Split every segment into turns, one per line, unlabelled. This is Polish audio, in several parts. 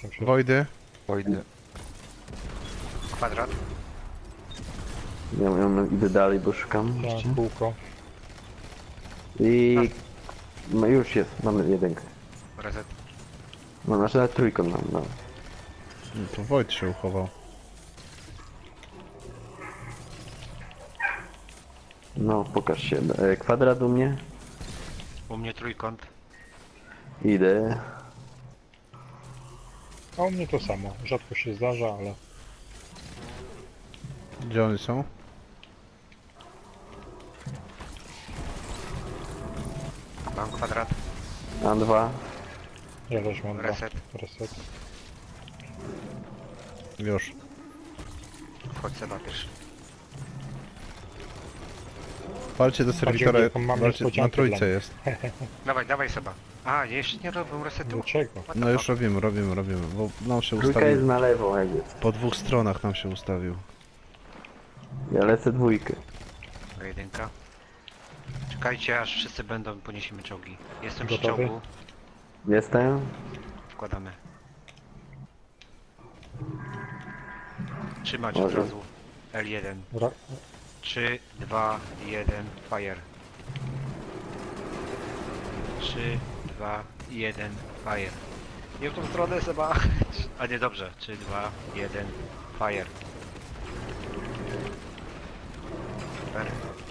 jestem się.
Wojdy.
Wojdy.
Kwadrat.
Ja idę dalej, bo szukam.
Ja, kółko.
I... No już jest, mamy jedynkę.
Reset.
No znaczy na trójkąt mam, no.
No to Wojt się uchował.
No, pokaż się. Kwadrat u mnie?
U mnie trójkąt.
Idę.
A u mnie to samo. Rzadko się zdarza, ale...
Gdzie oni są?
Mam kwadrat.
Mam dwa.
Ja też mam dwa.
Reset.
Reset.
Już.
Wchodź Seba pierwszy.
Walcie do serwitora.
jaką mamy
Walcie, na
niespodziankę
trójce
dla
jest.
Dawaj, dawaj Seba. A, jeszcze nie robią resetu.
Dlaczego?
What the
No już
fuck?
robimy, bo nam się
Trójka jest
ustawił.
na lewo, jak jest.
Po dwóch stronach nam się ustawił.
Ja lecę dwójkę.
Dobra, jedynka. Czekajcie aż wszyscy będą, poniesiemy czołgi. Jestem przy
Gotowy?
czołgu.
Jestem.
Wkładamy. Trzymać od
Może.
razu. L1.
Ra
3, 2, 1, fire. 3, 2, 1, fire. Nie w tą stronę Seba. A nie, dobrze. 3, 2, 1, fire. Super.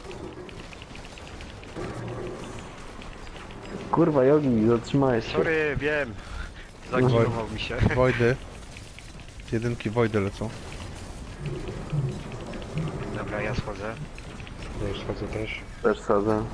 Kurwa, Jogi, zatrzymałeś się.
Sorry, wiem. Zagilował mi się.
Wojdy. Jedynki Wojdy lecą.
Dobra, ja schodzę.
ja już schodzę też.
Też sadzę.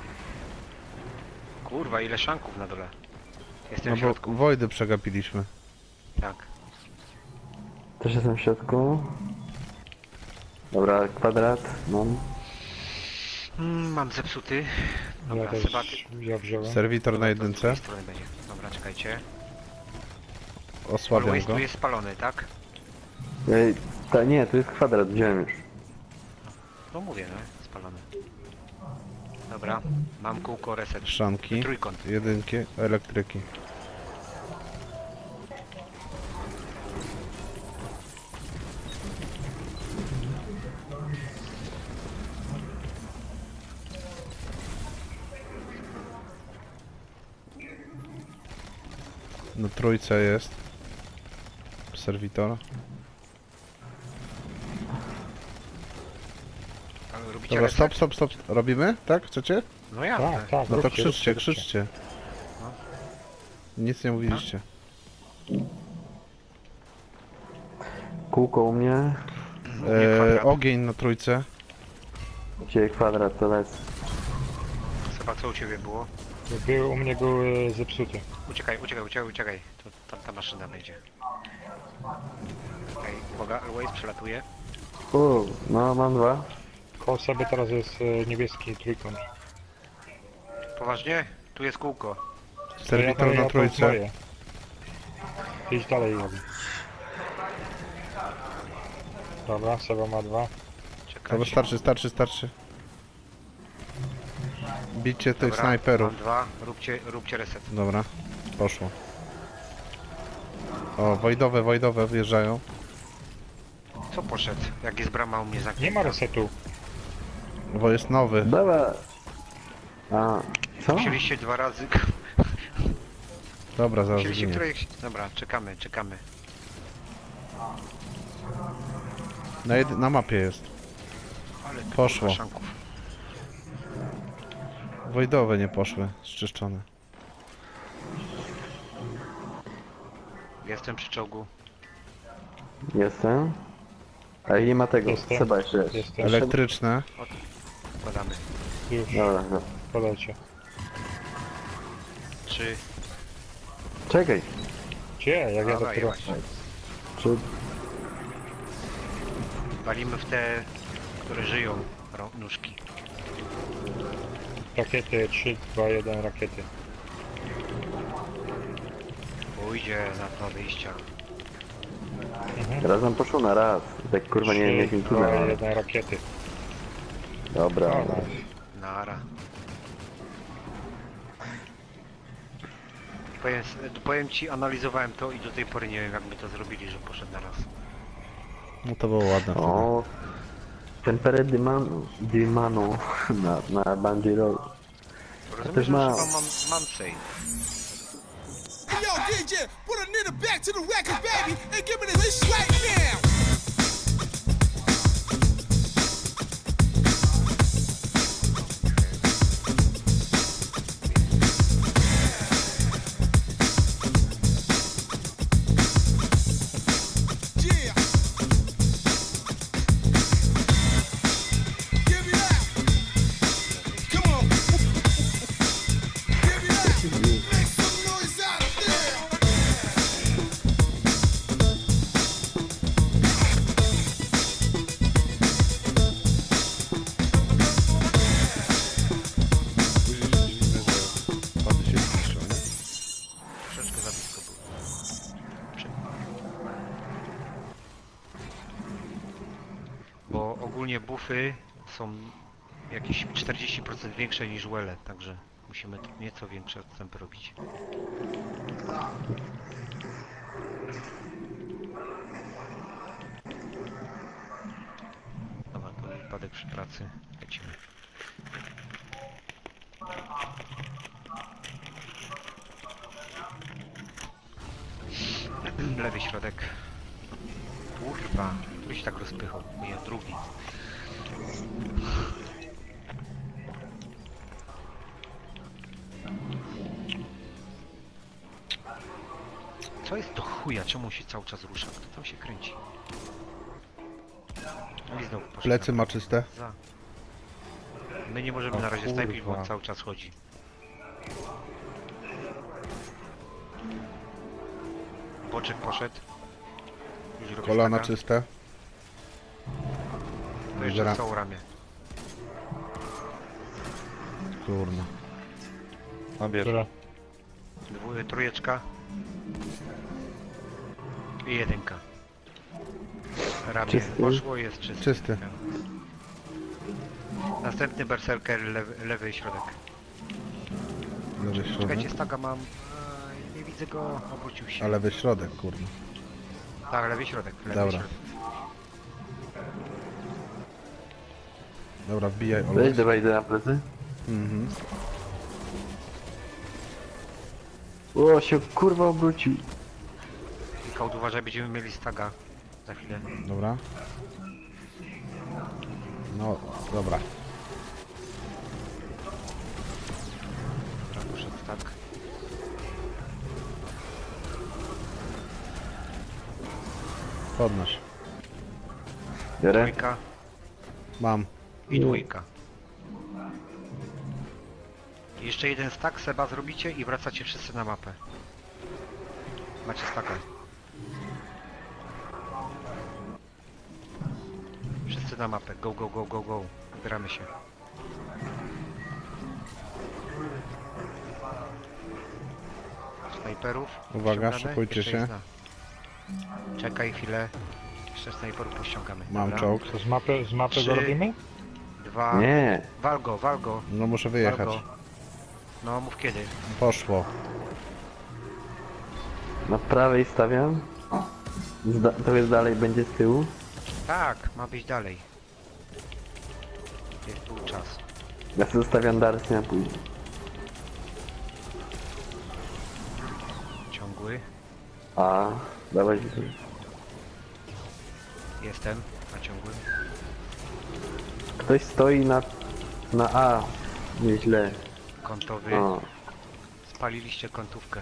Kurwa, ile szanków na dole. Jestem
No
w
bo
środku.
Wojdy przegapiliśmy.
Tak.
Też jestem w środku. Dobra, kwadrat. Mam.
Mam zepsuty. Dobra,
Ja też
Seba,
ja wziąłem.
Serwitor na
to z
jedynce.
drugiej strony będzie. Dobra, czekajcie.
Osłabiam
Always
go.
tu jest spalony, tak?
Nie, tu jest kwadrat, wziąłem już.
No mówię, no, spalony. Dobra, mam kółko reset.
Szanki.
Trójkąt.
Jedynki. Elektryki. Na trójce jest. Serwitor.
Ale robicie
Dobra,
reset?
stop. Robimy? Tak? Chcecie?
No ja.
Tak, tak.
No to
róbcie,
krzyczcie,
róbcie.
krzyczcie. Nic nie mówiliście.
Kółko u mnie.
kwadrat.
Ogień na trójce.
Gdzie kwadrat, to lecę.
Chyba co u ciebie było?
U mnie był zepsuty.
Uciekaj. To ta maszyna będzie. Okej, uwaga, Always przelatuje.
No, mam dwa.
Koło sobie teraz jest niebieski trójkąt.
Poważnie? Tu jest kółko.
Serwitor
ja
na
to
trójce.
moje. Idź dalej, Jogi. Dobra, Seba ma dwa.
Dobra,
Czekajcie.
starczy. Bicie tych
Dobra,
snajperów.
mam dwa. Róbcie reset.
Dobra, poszło. O, Wojdowe wjeżdżają.
Co poszedł? Jak jest brama u mnie zamknięta?
Nie ma resetu.
Bo jest nowy.
Dobra. A, co?
Musieliście dwa razy...
Dobra, zaraz
Musieliście
ginie.
której... Dobra, czekamy.
Na mapie jest.
Ale ty,
Poszło.
kurwa, szanków.
Wojdowe nie poszły, zczyszczone.
Jestem przy czołgu.
Jestem. A nie ma tego.
Jestem.
Seba jeszcze jest.
Jestem.
Elektryczne.
Wkładamy.
Już,
Dobra, no.
podajcie.
3.
Czekaj.
Gdzie? Jak ja
Dobra,
dopiero...
jebać.
Czy...
Walimy w te, które żyją, nóżki.
Rakiety 3, 2, 1 rakiety.
Pójdzie na dwa wyjścia.
Raz nam poszło na raz. Tak kurwa nie wiem
3,
jakim
2,
tunelem.
1 rakiety.
Dobra.
No,
Nara. Powiem ci, analizowałem to i do tej pory nie wiem jak my to zrobili, że poszedł na raz.
No to było ładne wtedy.
O, Tempere di mano na Banjiro.
Rozumiem, że
ma-
chyba mam save.
Hey, yo, DJ, put a nigga back to the record, baby, and give me this right now. Yeah. Give me that. Come on. Give me that. Make some noise out there.
Później się dziwimy, że pady się zniszczą, nie?
Troszeczkę za blisko był. Bo ogólnie buffy są jakieś 40% większe niż wele, także musimy tu nieco większe odstępy robić. Dobra, to wypadek przy pracy. Lecimy. Lewy środek. Kurwa, który się tak rozpychał? Nie, drugi. Co jest do chuja? Czemu się cały czas rusza? Kto tam się kręci? No i znowu poszedł
Plecy
na-
ma czyste.
za. My nie możemy
O
na razie snajpić, bo on
kurwa.
cały czas chodzi. Boczek poszedł. Już robi
Kolana
staka.
czyste.
To jeszcze
Zera.
całą ramię.
Kurna.
Która?
Trójeczka. I jedynka. Ramię
Czysty.
poszło, jest czysty.
Czysty.
Następny berserker, lewy środek.
Lewy
Czekajcie,
środek.
staga mam. Nie widzę go, obrócił się.
A lewy środek, kurna.
Tak, lewy środek. Lewy
Dobra.
środek.
Dobra, wbijaj
Weź,
Olek.
dawaj na plecy.
Mhm.
O, się kurwa obrócił.
I Kaut, uważaj, będziemy mieli staga. Za chwilę.
Dobra. No, dobra.
Dobra, poszedł tak.
Podnoś.
Biorę.
Trójka
Mam.
i dwójka. Jeszcze jeden stack Seba zrobicie i wracacie wszyscy na mapę. Macie staka. Wszyscy na mapę. Go, go, go, go, go. Zbieramy się. Snajperów.
Uwaga,
ściągamy.
szykujcie
Jeszcze
się.
jest Czekaj chwilę. Jeszcze snajperów pościągamy.
Mam
Dobra.
czołg.
To z mapy
Trzy.
go robimy?
2.
Nie.
Wal go, wal go.
No muszę
Wal
wyjechać.
go. No mów kiedy.
Poszło.
Na prawej stawiam. To jest dalej, będzie z tyłu.
Tak, ma być dalej. Jest był czas.
Ja sobie zostawiam Darsy na później.
Ciągły.
A, dawaj.
Jestem na ciągłym.
Ktoś stoi na A. Nieźle.
Kątowy.
O,
Spaliliście kątówkę.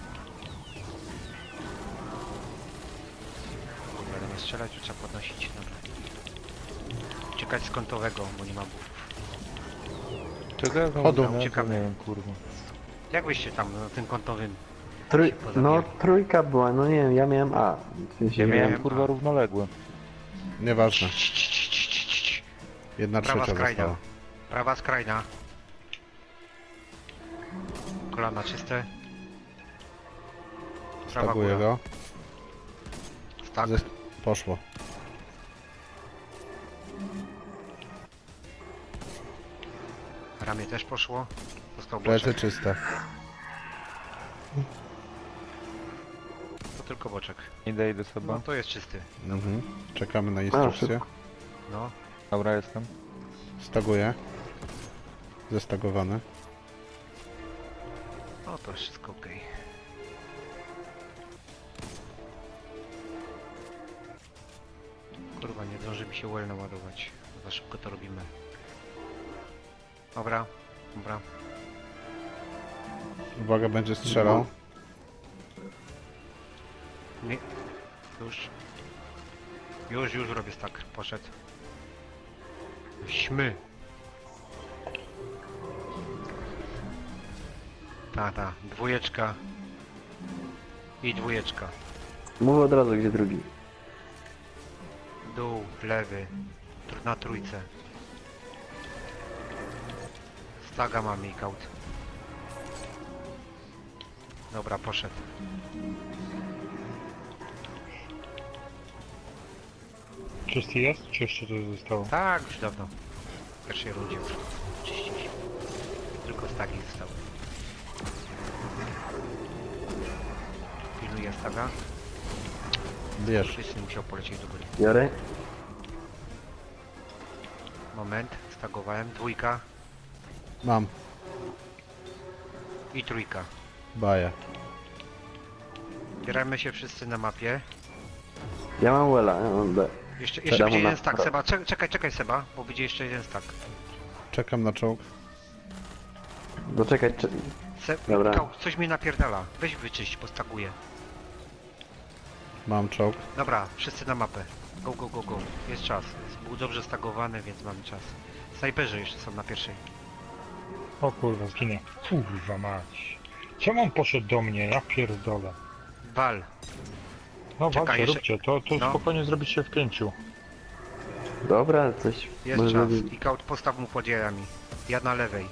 Dobra, nie strzelać, to trzeba podnosić. Dobra. Uciekać z kątowego, bo nie ma buffów.
Czego ja
Chodu.
Uciekamy.
Nie wiem, kurwa.
Jak wyście tam na tym kątowym?
trój,
się pozabijali?
no trójka była, no nie wiem, ja miałem A. W sensie
Ja
miałem
miałem kurwa
równoległe.
Nieważne. Jedna
Prawa
trzecia
skrajna.
została.
Prawa skrajna. Kolana czyste. Prawa
Staguję
góra.
go.
Tak.
Poszło.
Ramię też poszło. Został
Plecy
boczek.
czyste.
tylko boczek.
Idę sobie.
No to jest czysty.
Mhm. Czekamy na instrukcję.
szybko.
No.
Dobra, jestem.
Staguję. Zestagowany.
No to wszystko ok. Kurwa, nie zdąży mi się well naładować. Za szybko to robimy. Dobra, dobra.
Uwaga, będzie strzelał.
Nie. Już. Już robię stack. Poszedł. Śmy. Ta. Dwójeczka. I dwójeczka.
Mów od razu, gdzie drugi.
Dół, lewy. Na trójce. Staga mamy i kaut. Dobra, poszedł.
Czysty jest? Czy jeszcze coś zostało?
Tak, już dawno. W pierwszej rundzie już czyściliśmy. Tylko stagi zostały. Pilnuję staga.
Bierz.
Wszyscy musiał polecieć do góry.
Biorę.
Moment, stagowałem. Dwójka
Mam.
i trójka.
Baję.
Bieramy się wszyscy na mapie.
Ja mam Wella, ja mam B.
Jeszcze
Siadam
będzie
na
jeden stack,
prawo.
Seba. Czekaj Seba, bo będzie jeszcze jeden stack.
Czekam na czołg.
Doczekać, Dobra.
Kaut, coś mi napierdala. Weź wyczyść, postaguję.
Mam czołg.
Dobra, wszyscy na mapę. Go. Jest czas. Był dobrze stagowany, więc mamy czas. Snajperzy jeszcze są na pierwszej.
O kurwa, zginę. Kurwa mać. Czemu on poszedł do mnie? Ja pierdolę.
Wal.
No
Czekaj,
walcie,
jeszcze-
róbcie. To
no.
spokojnie zrobić się w 5.
Dobra, coś.
Jest
może
czas.
zrobić.
I kaut postaw mu pod jajami. Ja na lewej.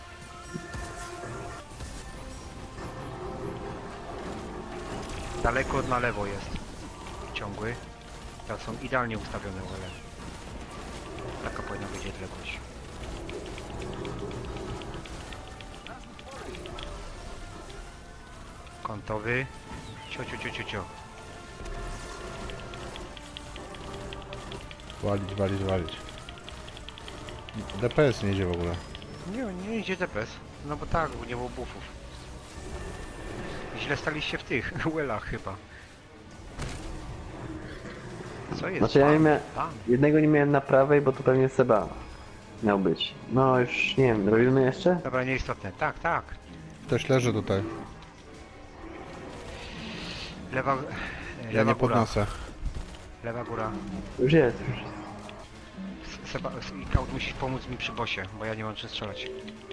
Daleko na lewo jest. Ciągły. Teraz są idealnie ustawione wele. Taka powinna być odległość. Kątowy. Cio.
Walić. DPS nie idzie w ogóle.
Nie idzie DPS. No bo tak, bo nie było buffów. Źle staliście w tych welach chyba. Co jest?
Znaczy ja nie miałem.
Tam.
Jednego nie miałem na prawej, bo to pewnie Seba miał być. No już nie wiem, robimy jeszcze?
Dobra, nieistotne. Tak.
Ktoś leży tutaj.
Lewa
Ja nie
góra.
podnoszę.
Lewa góra.
Już jest.
Seba i Kaut musisz pomóc mi przy bosie, bo ja nie mam czym strzelać.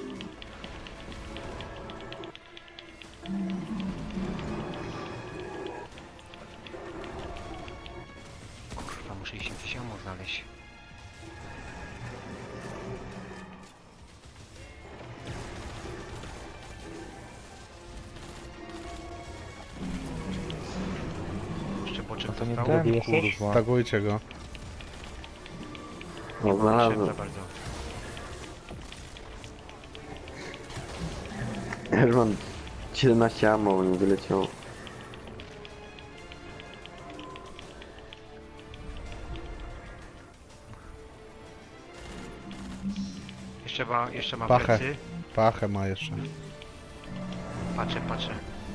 Kurwa, muszę iść jakieś ammo znaleźć. Jeszcze boczek
To nie
został.
ten, kurwa.
Stagujcie go.
O,
Nie
znalazłem.
za bardzo.
Ja już mam 17 ammo, bo mi wyleciało.
Jeszcze ma
Pachę.
plecy.
Pachę ma jeszcze.
Patrzę.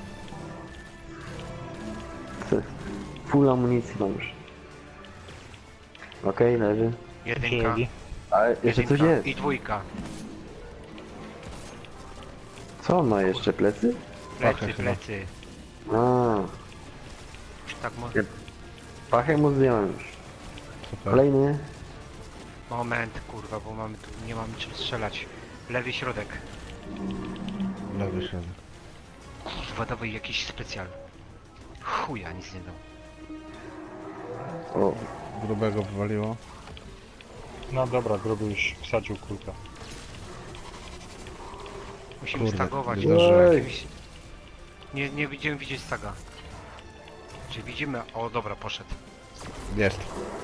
Full amunicji mam już. Okej, leży.
Jedynka.
Przyjęli.
Ale jeszcze coś
Jedynka
jest.
i dwójka.
Co on ma jeszcze? Plecy?
Pachę chyba.
Plecy.
A,
Tak,
Ja- pachę mu zdjąłem już.
Super.
Kolejny.
moment, kurwa, bo mamy tu, nie mamy czym strzelać. Lewy środek.
Lewy środek.
Kurwa, dawaj jakiś specjal. Chuja, nic nie dał.
O,
Grubego wywaliło.
No dobra, gruby już wsadził kulkę.
Musimy
Kurde,
stagować.
wydarzyło.
Jakimś... Nie widzimy widzieć staga. Czy widzimy? O, dobra, poszedł.
Jest.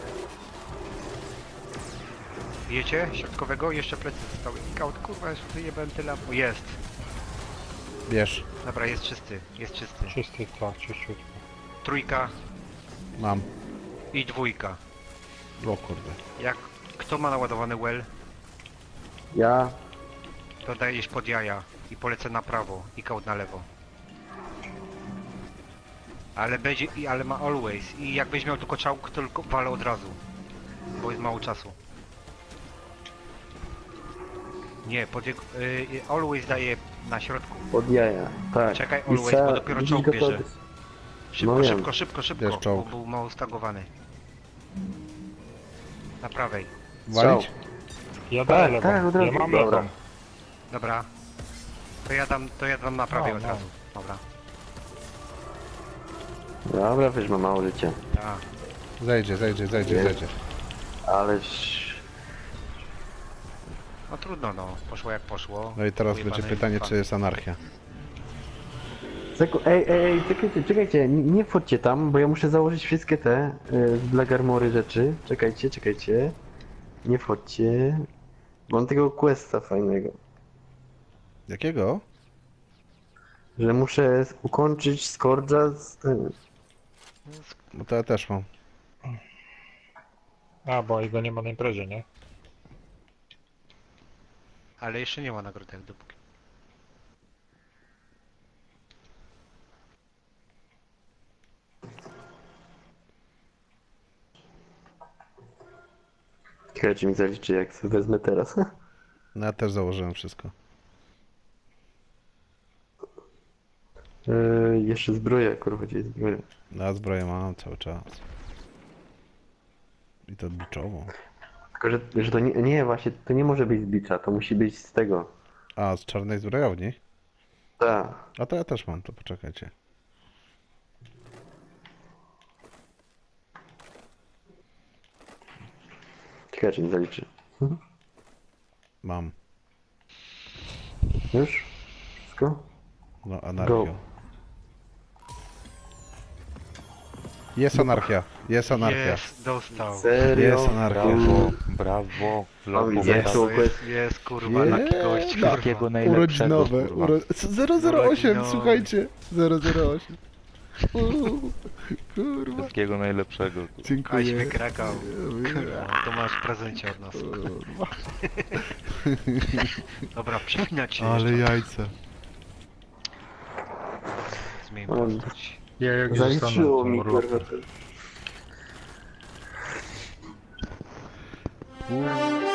Wiecie? Środkowego? Jeszcze plecy zostały. Kaut, kurwa, już wyjebałem tyle. O, jest.
Bierz.
Dobra, jest czysty. Jest czysty.
Czysty, tak, czyściutko.
trójka
Mam.
i dwójka.
O kurde.
Jak kto ma naładowany well,
Ja.
to dajesz pod jaja i polecę na prawo i kołd na lewo. Ale będzie, ale ma always i jakbyś miał tylko czołg, to tylko walę od razu. Bo jest mało czasu. Nie, pod jego, always daje na środku.
Pod jaja. Tak.
Czekaj,
I
always, bo dopiero
widzisz
czołg
go
bierze.
to-
Szybko,
No wiem.
szybko, szybko, szybko,
Bierz
bo
czołg.
był mało stagowany. Na prawej.
Walić?
Ja daję
Tak,
lewą.
tak, od razu.
Ja mam
Dobra.
lewą.
Dobra. To ja dam na prawej
No,
od
no.
razu. Dobra.
Dobra, wiesz, ma mało życia.
Tak.
Zejdzie.
Ależ...
No trudno no, poszło jak poszło.
No i teraz
Ujebane
będzie pytanie,
lipa.
czy jest anarchia.
Ej, czekajcie, nie wchodźcie tam, bo ja muszę założyć wszystkie te dla Garmory rzeczy. Czekajcie. Nie wchodźcie. Mam tego questa fajnego,
Jakiego?
że muszę ukończyć Scourge'a z tym.
No to ja też mam.
A, bo jego nie ma na imprezie, nie?
Ale jeszcze nie ma nagrody jak dopóki.
Ciekawe, czy mi zaliczy, jak sobie wezmę teraz.
No ja też założyłem wszystko.
Jeszcze zbroja, kurwa, gdzie jest zbroja?
No ja zbroję mam cały czas. I to biczową.
Tylko, że to nie, właśnie, to nie może być z bicza, to musi być z tego.
A, z czarnej zbrojowni?
Tak.
A to ja też mam, to poczekajcie.
Ciekawe, czy mi zaliczy.
Mam.
Już? Wszystko?
No, anarchią. Jest anarchia.
Jest, dostał.
Serio?
Jest anarchia.
Brawo, brawo.
Mam
Lopo,
widzę,
brawo.
tu
Jest kurwa, taki gość, kurwa.
Wszystkiego najlepszego,
Urodzinowe.
kurwa.
008,
Urodzinowe.
słuchajcie. 008. Kurwa.
Wszystkiego najlepszego. Kurwa.
Aś
Dziękuję.
wykrakał. Kurwa, to masz w prezencie od nas. Dobra, przypinać się
Ale
jeszcze.
jajce.
Zmień
On-
postać.
Ja jak
Zaliczyło
zostanę
mi,
tą
kurwa.
urlopem.